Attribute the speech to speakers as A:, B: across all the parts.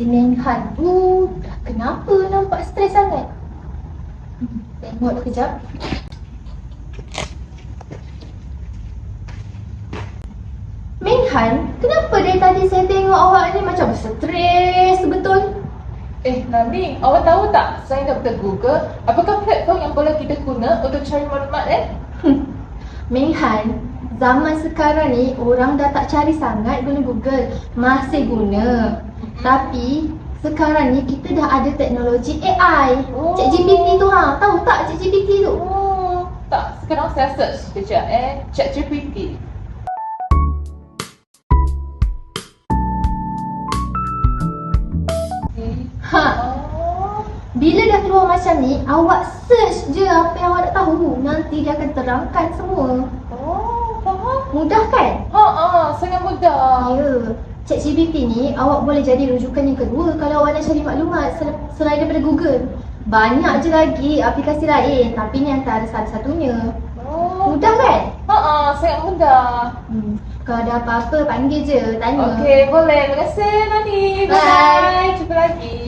A: Nenghan, kenapa nampak stres sangat? Tengok kejap. Menghan, kenapa dari tadi saya tengok awak ni macam stres betul?
B: Nani, awak tahu tak? Saya Dr. Google, apakah platform yang boleh kita guna untuk cari maklumat
A: Menghan, zaman sekarang ni orang dah tak cari sangat guna Google. Masih guna. Tapi sekarang ni kita dah ada teknologi AI. ChatGPT tu tahu tak ChatGPT tu?
B: Tak, sekarang saya search sekejap ChatGPT.
A: Bila dah keluar macam ni, awak search je apa yang awak nak tahu. Nanti dia akan terangkan semua.
B: Faham?
A: Mudah kan?
B: Sangat mudah.
A: Ya. ChatGPT ni awak boleh jadi rujukan yang kedua kalau awak nak cari maklumat selain daripada Google. Banyak je lagi aplikasi lain, tapi ni antara satu-satunya. Mudah kan?
B: Sangat mudah.
A: Kalau ada apa-apa panggil je, tanya.
B: Okey, boleh. Terima kasih Nani. Bye. Jumpa lagi.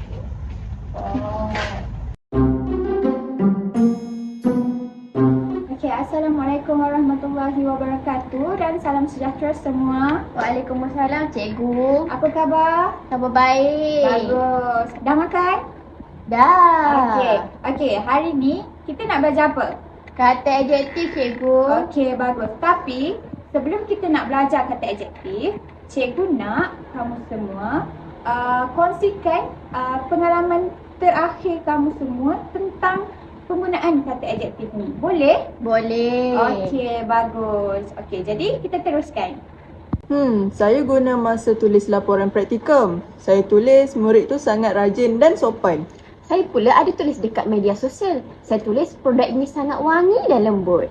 C: Assalamualaikum warahmatullahi wabarakatuh dan salam sejahtera semua.
A: Waalaikumsalam cikgu.
C: Apa khabar?
A: Khabar baik.
C: Bagus. Dah makan?
A: Dah.
C: Okey, hari ni kita nak belajar apa?
A: Kata adjektif cikgu.
C: Okey, bagus. Tapi sebelum kita nak belajar kata adjektif, cikgu nak kamu semua kongsikan pengalaman terakhir kamu semua tentang penggunaan kata adjektif ni. Boleh?
A: Boleh.
C: Okey, bagus. Okey, jadi kita teruskan.
D: Saya guna masa tulis laporan praktikum. Saya tulis murid tu sangat rajin dan sopan.
E: Saya pula ada tulis dekat media sosial. Saya tulis produk ini sangat wangi dan lembut.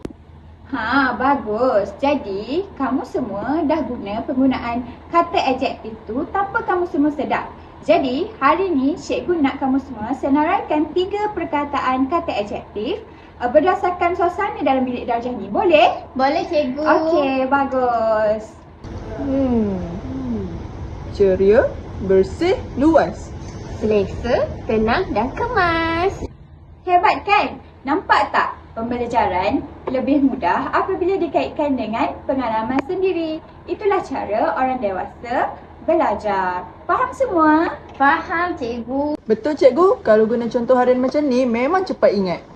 C: Bagus. Jadi, kamu semua dah guna penggunaan kata adjektif tu tanpa kamu semua sedar. Jadi, hari ni cikgu nak kamu semua senaraikan 3 perkataan kata adjektif berdasarkan suasana dalam bilik darjah ni. Boleh?
A: Boleh cikgu.
C: Okey, bagus.
D: Ceria, bersih, luas.
E: Selesa, tenang dan kemas.
C: Hebat kan? Nampak tak? Pembelajaran lebih mudah apabila dikaitkan dengan pengalaman sendiri. Itulah cara orang dewasa belajar. Faham semua?
A: Faham cikgu.
D: Betul cikgu, kalau guna contoh harian macam ni memang cepat ingat.